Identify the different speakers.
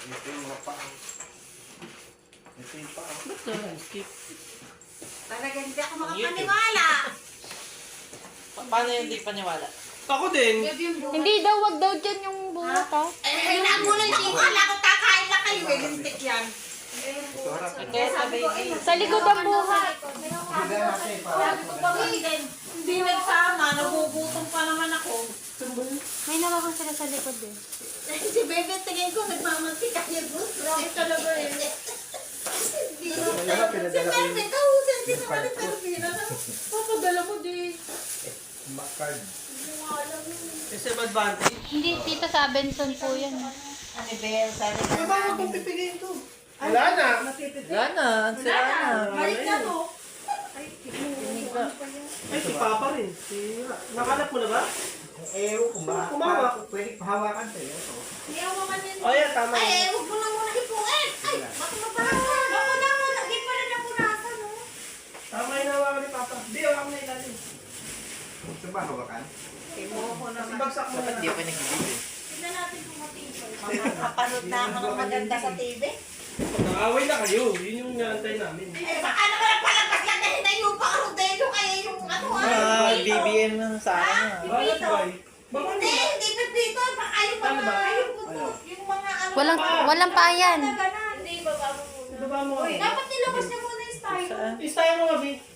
Speaker 1: Ito yung mga paa. Ito yung paa.
Speaker 2: Ba't na skip?
Speaker 3: Talaga hindi ako makapaniwala.
Speaker 2: Paano yung hindi paniwala?
Speaker 4: Ako din.
Speaker 5: Hindi daw, wag daw dyan yung buhat ha.
Speaker 3: Eh, nagulat yung wala ko kakain na kayo. Eh, lintik yan.
Speaker 1: Ito harap.
Speaker 2: Kaya sa baby.
Speaker 5: Sa likod ang buhat.
Speaker 1: Hindi natin para.
Speaker 3: Sabi ko pa hindi nagsama. Nagugutom pa naman ako.
Speaker 5: May nawakan sila sa likod eh.
Speaker 3: Si Bebe, tingin ko, nagmamantika yung gusto. Bakit talaga eh? Hindi.
Speaker 1: Wala,
Speaker 3: Si Bebe, kahusin. Hindi naman ni Pervina na. Papadala mo di.
Speaker 1: Makard.
Speaker 3: Hindi mo alam yun.
Speaker 4: SM advantage.
Speaker 5: Hindi, tita sa Benson po yan.
Speaker 3: Anniversary.
Speaker 4: Ano ba yung pipiliin to? Wala na.
Speaker 2: Wala na. Sira na.
Speaker 3: Balik na to.
Speaker 4: Ay, si Papa rin. Nakalap mo na ba?
Speaker 1: Eh,
Speaker 4: Kumawak.
Speaker 1: Pwede pahawakan sa'yo. Ito.
Speaker 3: Iyawakan yun.
Speaker 4: Oh, yeah, tama
Speaker 3: Ay,
Speaker 4: yun.
Speaker 3: huwag mo na muna hipuin. Ay, baka mapahawakan. Baka na muna. Di pa rin napunasan, no?
Speaker 4: Tama yung nawakan ni Papa. Hindi, hawakan na ilalim.
Speaker 1: Ito ba hawakan?
Speaker 3: Imuha ko
Speaker 4: Kasi
Speaker 3: naman.
Speaker 4: bagsak mo
Speaker 2: Dapat
Speaker 4: na.
Speaker 2: di ako nagbibigay.
Speaker 3: Tignan natin kung matibay. Kapanood na ako ng maganda sa TV.
Speaker 4: Nakaaway na kayo. Yun yung naantay namin.
Speaker 3: Eh, baka naman ang palabas lang dahil na yung pang-rodeo kaya yung ano
Speaker 2: Ah,
Speaker 3: pipito.
Speaker 2: BBM na sa akin ah.
Speaker 4: Bakit ba? Baka
Speaker 3: Hindi, hindi pipito. Baka yung
Speaker 4: Ano ba?
Speaker 3: mga, yung puto, yung mga ano.
Speaker 5: Walang payan.
Speaker 3: Hindi, baba mo muna.
Speaker 4: Baba mo.
Speaker 3: Dapat nilabas niya muna yung style.
Speaker 2: Saan?
Speaker 4: Istaya mo nga, B.